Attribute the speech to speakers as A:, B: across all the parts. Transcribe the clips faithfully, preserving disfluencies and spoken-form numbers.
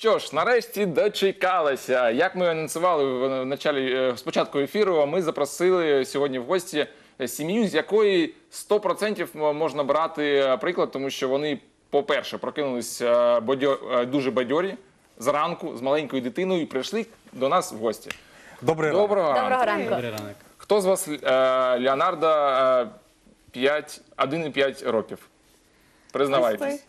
A: Що ж, нарешті дочекалися. Як ми анонсували в началі, спочатку ефіру, ми запросили сьогодні в гості сім'ю, з якої сто відсотків можна брати приклад, тому що вони, по-перше, прокинулись бадьо- дуже бадьорі зранку з маленькою дитиною і прийшли до нас в гості.
B: Добрий ранок.
A: Доброго
C: Доброго
A: ранку.
C: ранку.
D: Добрий ранок.
A: Хто з вас е, Леонардо п'ять, один і п'ять років? Признавайтесь.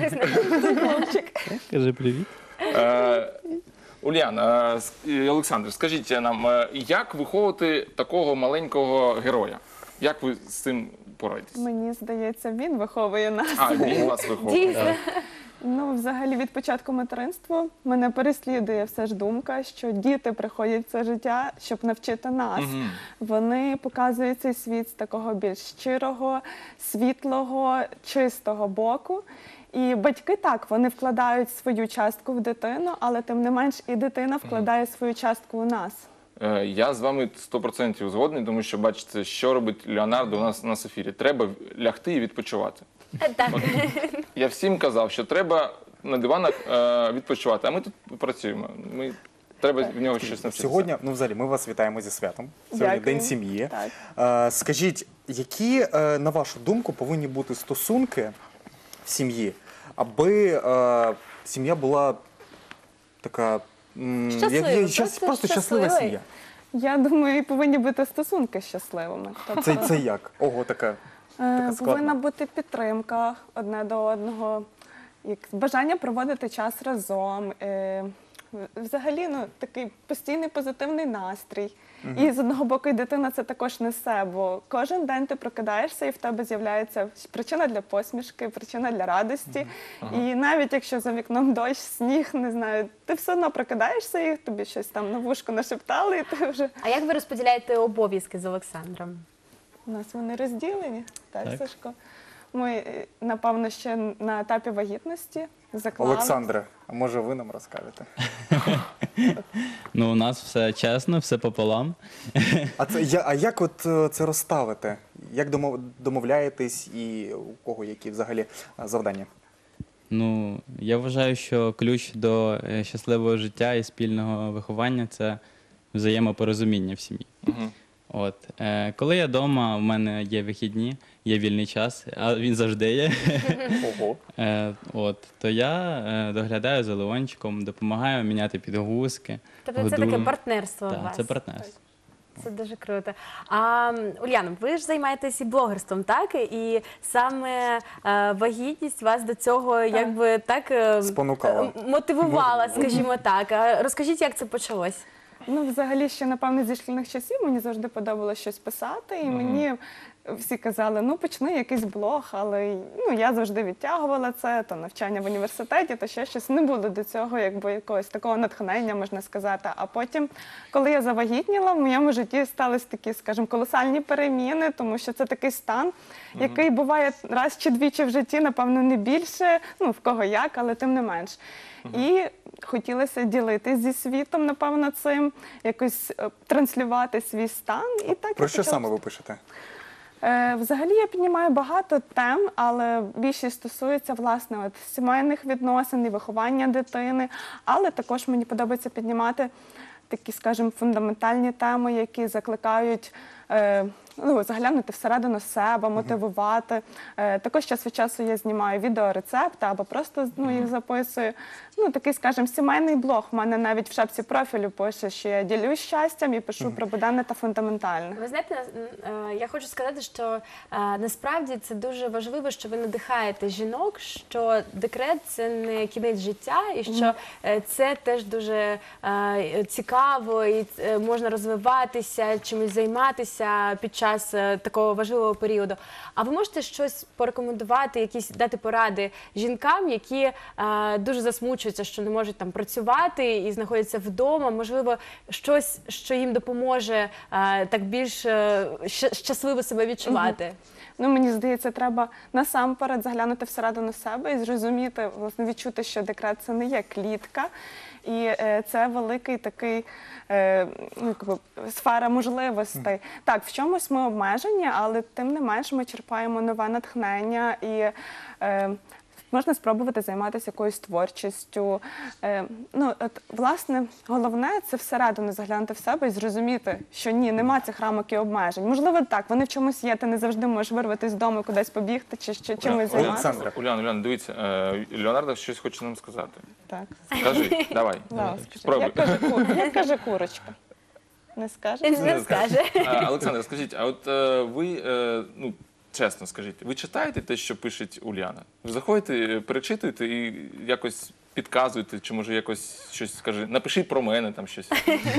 C: Хлопчик.
D: Кажи привіт.
A: Е, Улян, е, с- Олександр, скажіть нам, е, як виховувати такого маленького героя? Як ви з цим пораєтесь?
E: Мені здається, він виховує нас.
A: А, він вас виховує.
C: Дійсно.
E: Ну, взагалі, від початку материнства мене переслідує все ж думка, що діти приходять в це життя, щоб навчити нас.
A: Мгм.
E: Вони показують цей світ з такого більш щирого, світлого, чистого боку. І батьки так, вони вкладають свою частку в дитину, але тим не менш і дитина вкладає свою частку у нас.
A: Е, Я з вами сто відсотків згодний, тому що, бачите, що робить Леонардо у нас на ефірі. Треба лягти і відпочивати.
C: Так.
A: Я всім казав, що треба на диванах е, відпочивати, а ми тут працюємо. Ми, треба в нього щось навчитися.
B: Сьогодні, ну взагалі, ми вас вітаємо зі святом. Сьогодні
E: Дякую.
B: День сім'ї.
E: Так.
B: Е, Скажіть, які, е, на вашу думку, повинні бути стосунки в сім'ї, аби е, сім'я була така, м, як-
C: Щаслива,
B: як-
C: просто
B: щас- просто щаслива
C: щаслива.
B: сім'я?
E: Я думаю, і повинні бути стосунки щасливими. Тобто,
B: Це, це як? Ого, така.
E: Е,
B: Така складна.
E: Повинна бути підтримка одне до одного, як бажання проводити час разом. е, Взагалі, ну такий постійний позитивний настрій. І з одного боку, і дитина це також несе, бо кожен день ти прокидаєшся, і в тебе з'являється причина для посмішки, причина для радості. І навіть якщо за вікном дощ, сніг, не знаю, ти все одно прокидаєшся, і тобі щось там на вушку нашептали, і ти вже
C: А як ви розподіляєте обов'язки з Олександром?
E: у нас вони розділені, так,
D: Так.
E: Сашко? Ми, е, напевно, ще на етапі вагітності заклали.
B: Олександре, а може ви нам розкажете?
D: Ну, у нас все чесно, все пополам.
B: А, це, я, а як от е, це розставити? Як домов, домовляєтесь і у кого які взагалі е, завдання?
D: Ну, я вважаю, що ключ до е, щасливого життя і спільного виховання це взаємопорозуміння в сім'ї.
A: Мгм.
D: От, е, коли я вдома, у мене є вихідні, є вільний час, а він завжди є.
B: Ого.
D: Е, от, то я е, доглядаю за Леончиком, допомагаю міняти підгузки.
C: Тобто це
D: годую.
C: таке партнерство у
D: Так,
C: вас?
D: це партнерство.
C: Це дуже круто. А, м, Уляна, ви ж займаєтесь і блогерством, так? І саме е, вагітність вас до цього якби так е,
B: Спонукала.
C: е, мотивувала, скажімо так. А розкажіть, як це почалось?
E: Ну, взагалі, ще, напевно, зі шкільних часів мені завжди подобалося щось писати, і мені всі казали, ну, почни якийсь блог, але ну, я завжди відтягувала це, то навчання в університеті, то ще щось. Не було до цього якби якогось такого натхнення, можна сказати. А потім, коли я завагітніла, в моєму житті сталися такі, скажімо, колосальні переміни, тому що це такий стан, який буває раз чи двічі в житті, напевно, не більше, ну, в кого як, але тим не менш. І хотілося ділитись зі світом, напевно, цим, якось е, транслювати свій стан. І так
B: Про
E: я
B: що
E: почала.
B: саме ви пишете?
E: Е, Взагалі я піднімаю багато тем, але більшість стосується, власне, от, сімейних відносин і виховання дитини. Але також мені подобається піднімати такі, скажімо, фундаментальні теми, які закликають е, ну, заглянути всередину себе, мотивувати. Е, також час від часу я знімаю відеорецепти або просто ну, їх записую. Ну, такий, скажімо, сімейний блог. У мене навіть в шапці профілю пише, що я ділюсь щастям і пишу про буденне та фундаментальне.
C: Ви знаєте, е, я хочу сказати, що е, насправді це дуже важливо, що ви надихаєте жінок, що декрет – це не кінець життя, і що е, це теж дуже е, цікаво, і е, можна розвиватися, чимось займатися під час е, такого важливого періоду. А ви можете щось порекомендувати, якісь дати поради жінкам, які е, дуже засмучуються, що не можуть там працювати і знаходяться вдома, можливо, щось, що їм допоможе е, так більш е, щ- щасливо себе відчувати?
E: Ну, мені здається, треба насамперед заглянути всередину себе і зрозуміти, власне, відчути, що декрет – це не є клітка, і е, це великий такий е, ну, якби, сфера можливостей. Так, в чомусь ми обмежені, але тим не менш ми черпаємо нове натхнення і е, можна спробувати займатися якоюсь творчістю. Е, ну, от, власне, головне – це всередину заглянути в себе і зрозуміти, що ні, нема цих рамок і обмежень. Можливо, так, вони в чомусь є, ти не завжди можеш вирватися з дому, кудись побігти чи що, чимось займатися.
B: Олександре.
A: Уляна, Уляна, дивіться, е, Леонардо щось хоче нам сказати.
E: Так.
A: Скажи, давай.
E: Лао, скажи,
A: Спробуй.
E: як каже, ку- як каже курочка? Не скаже?
C: Він не скаже.
A: А, Олександр, скажіть, а от е, ви, е, ну, чесно скажіть, ви читаєте те, що пише Уляна? Ви заходите, перечитуєте і якось підказуєте, чи може якось щось скажи, напишіть про мене там щось.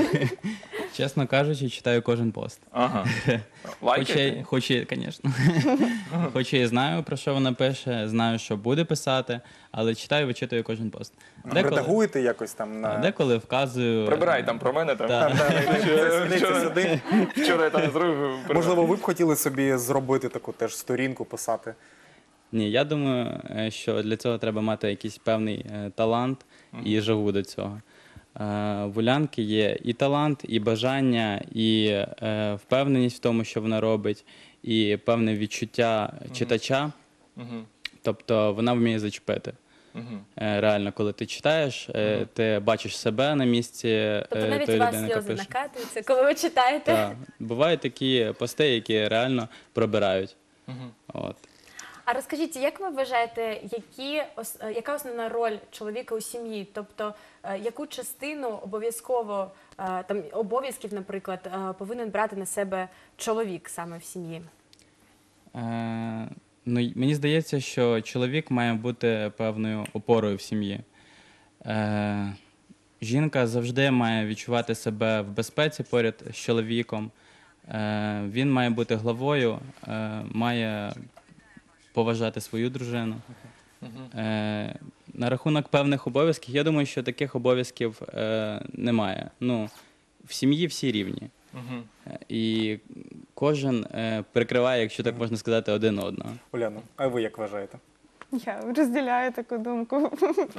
D: Чесно кажучи, читаю кожен пост.
A: Ага.
D: Хоч
A: Лайкаєте?
D: я, хоч я, звісно. Хоч я і знаю, про що вона пише, знаю, що буде писати, але читаю, вичитую кожен пост.
B: Редагуєте якось там на...
D: деколи вказую.
A: Прибирай там про мене. Там.
D: Так.
B: Склейте сюди.
A: Вчора я там зробив.
B: Можливо, ви б хотіли собі зробити таку теж сторінку, писати.
D: Ні, я думаю, е, що для цього треба мати якийсь певний е, талант і жагу до цього. Е, В Улянки є і талант, і бажання, і е, впевненість в тому, що вона робить, і певне відчуття читача.
A: Мгм.
D: Тобто вона вміє зачепити.
A: Мгм.
D: Е, Реально, коли ти читаєш, е, ти бачиш себе на місці е,
C: Тобто навіть у
D: тої
C: вас
D: людини, яка
C: сльози
D: пише.
C: накатуються, коли ви читаєте.
D: Так. Бувають такі пости, які реально пробирають.
A: Мгм.
D: От.
C: А розкажіть, як ви вважаєте, які, ос- е, яка основна роль чоловіка у сім'ї? Тобто, е, яку частину обов'язково, е, там, обов'язків, наприклад, е, повинен брати на себе чоловік саме в сім'ї?
D: Е, ну, й- мені здається, що чоловік має бути певною опорою в сім'ї. Е, жінка завжди має відчувати себе в безпеці поряд з чоловіком. Е, він має бути главою, е, має поважати свою дружину. Е, на рахунок певних обов'язків, я думаю, що таких обов'язків е, немає. Ну, в сім'ї всі рівні.
A: Мгм.
D: Е, І кожен е, прикриває, якщо так можна сказати, один одного.
B: Уляно, а ви як вважаєте?
E: Я розділяю таку думку.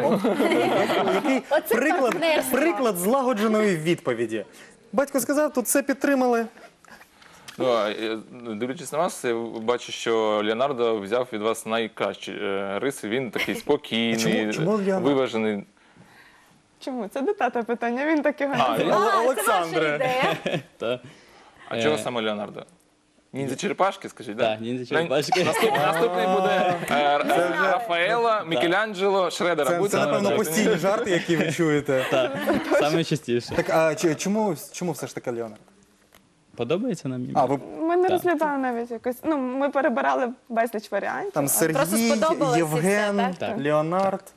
B: Який
C: Оце
B: приклад,
C: партнерство.
B: приклад злагодженої відповіді. Батько сказав, тут все підтримали.
A: Ну, а, е, дивлячись на вас, я бачу, що Леонардо взяв від вас найкращі е, риси. Він такий спокійний,
B: Чому- чому Леонардо?
A: виважений.
E: Чому? Це до тата питання, він так його
A: А,
E: називає.
A: він-
C: А, це ваша
B: Олександре.
C: ідея.
D: Та,
A: А
D: Е,
A: чого саме Леонардо? Ніндзя черепашки, скажіть, так?
D: Так, ніндзя черепашки.
A: Наступний, наступний буде е, е, Рафаела, Мікеланджело, Шредера.
B: Це,
A: Будь
B: це напевно,
A: ласка.
B: постійні жарти, які ви чуєте.
D: Так, саме частіше.
B: Так, а чи- чому, чому все ж таки Леонард?
D: Подобається нам
B: А,
D: ім'я?
B: ви
E: Ми не
D: Так.
E: розглядали навіть якось. Ну, ми перебирали безліч варіантів.
B: там
C: Просто
B: Сергій,
C: сподобалось і все,
B: Євген,
C: так?
D: Так.
B: Леонард.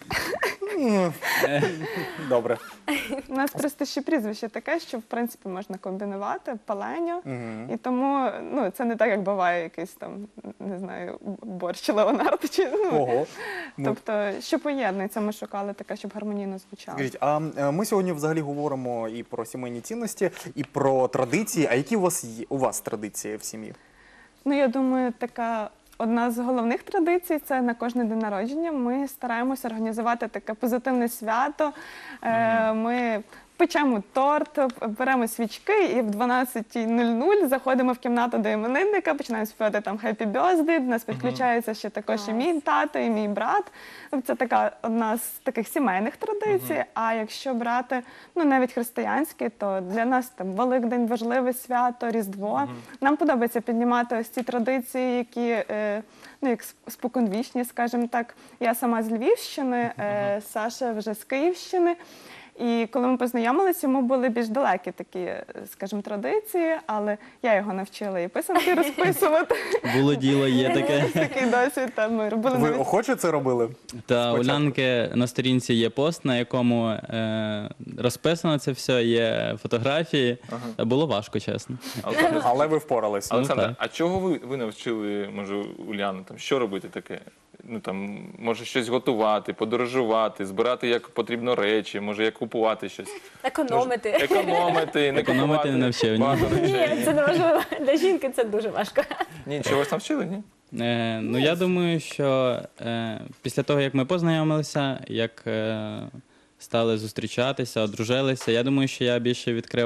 B: М, Добре.
E: У нас просто ще прізвище таке, що в принципі можна комбінувати паленьо.
B: Мгм.
E: І тому ну, це не так, як буває якийсь там, не знаю, борщ Леонардо. Чи, ну,
B: Ого. Ну,
E: тобто, що поєднується, ми шукали таке, щоб гармонійно звучало.
B: Скажіть, а е, ми сьогодні взагалі говоримо і про сімейні цінності, і про традиції. А які у вас є у вас традиції в сім'ї?
E: Ну, я думаю, така одна з головних традицій це на кожний день народження. Ми стараємося організувати таке позитивне свято. Е, Ми печемо торт, беремо свічки і в дванадцята нуль нуль заходимо в кімнату до іменинника, починаємо співати там «Happy Birthday», до нас підключається ще також і мій тато, і мій брат. Це така одна з таких сімейних традицій. А якщо брати ну, навіть християнські, то для нас там Великдень важливе свято, Різдво. Нам подобається піднімати ось ці традиції, які е, ну, як споконвічні, скажімо так. Я сама з Львівщини, е, Саша вже з Київщини. І коли ми познайомилися, йому були більш далекі такі, е, скажімо, традиції, але я його навчила і писанки розписувати.
D: Було діло, є таке.
E: Такий досвід там ми робили
B: Ви
E: навіть.
B: охоче це робили?
D: Та у
B: Спочатку.
D: Лянки на сторінці є пост, на якому е, розписано це все, є фотографії. Та було важко, чесно.
A: Олександр,
B: Але ви впоралися.
A: Олександр,
D: так.
A: а чого ви, ви навчили, може, Уляну, там, що робити таке? Ну, там, може, щось готувати, подорожувати, збирати, як потрібно речі, може, як купувати щось.
C: Економити.
A: Економити, не
D: Економити
A: купувати
D: не навчив, ні.
A: багато речей.
C: Ні, це не важливо. Для жінки це дуже важко.
A: Ні, чогось навчили, ні?
D: Е, ну, я думаю, що е, після того, як ми познайомилися, як е, стали зустрічатися, одружилися, я думаю, що я більше відкрив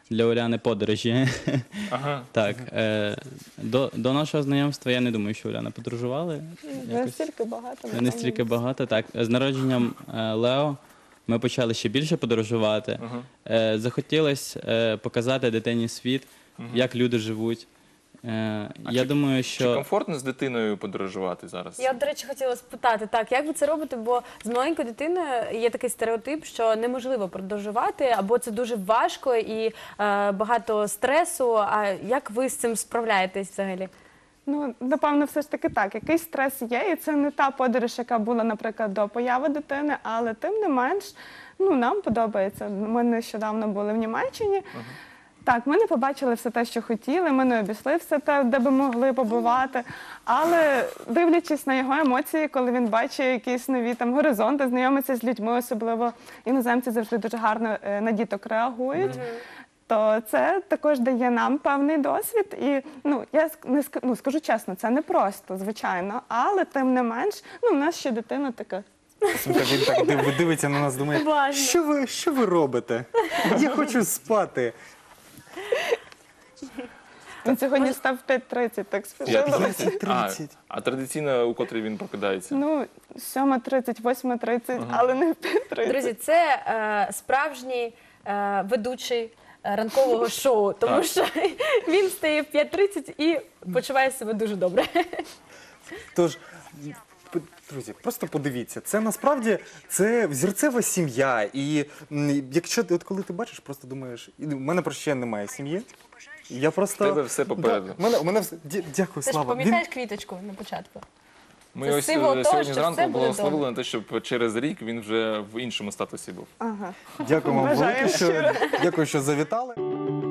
D: для Уляни подорожі.
A: Ага.
D: Так, е, до, до нашого знайомства я не думаю, що Уляна подорожували.
E: Не
D: Якось.
E: настільки багато.
D: Не
E: напевно.
D: настільки багато, так. З народженням е, Лео ми почали ще більше подорожувати.
A: Ага.
D: Е, захотілося е, показати дитині світ, як люди живуть. Е, я думаю,
A: Чи
D: що
A: комфортно з дитиною подорожувати зараз?
C: Я, до речі, хотіла спитати, так, як ви це робите, бо з маленькою дитиною є такий стереотип, що неможливо подорожувати, або це дуже важко і е, багато стресу. А як ви з цим справляєтесь взагалі?
E: Ну, напевно, все ж таки так. Якийсь стрес є, і це не та подорож, яка була, наприклад, до появи дитини, але тим не менш, ну, нам подобається. Ми нещодавно були в Німеччині. Так, ми не побачили все те, що хотіли, ми не обійшли все те, де би могли побувати. Але дивлячись на його емоції, коли він бачить якісь нові там горизонти, знайомиться з людьми, особливо іноземці завжди дуже гарно е, на діток реагують. То це також дає нам певний досвід. І ну я ск- не ск- ну, скажу чесно, це не просто, звичайно, але тим не менш, ну в нас ще дитина така.
B: Слухай, він так див- дивиться на нас, думає,
C: Уважно.
B: що ви, що ви робите? Я хочу спати.
E: Він сьогодні став в п'ять тридцять, так спішили.
A: п'ятнадцять? А,
B: тридцять.
A: а традиційно у котрій він прокидається?
E: Ну, сьома тридцять, восьма тридцять, але не в п'ять тридцять.
C: Друзі, це е, справжній е, ведучий е, ранкового шоу, тому
A: Так.
C: що він стає в п'ять тридцять і почуває себе дуже добре.
B: Тож, п- друзі, просто подивіться, це насправді це взірцева сім'я. І м, якщо ти, от коли ти бачиш, просто думаєш, і в мене просто ще немає сім'ї. Я просто
A: В тебе все попереду.
B: Да, в мене, в мене все. Дя- Дякую,
C: Ти ж
B: Слава. Він-
C: пам'ятаєш квіточку на початку?
A: Ми
C: Це
A: ось
C: символ
A: е,
C: того,
A: сьогодні
C: що
A: зранку
C: все буде
A: благословили
C: добре.
A: на те, щоб через рік він вже в іншому статусі був.
E: Ага.
B: Дякую вам
E: Бажаю
B: велике, що
E: щиро.
B: дякую, що завітали.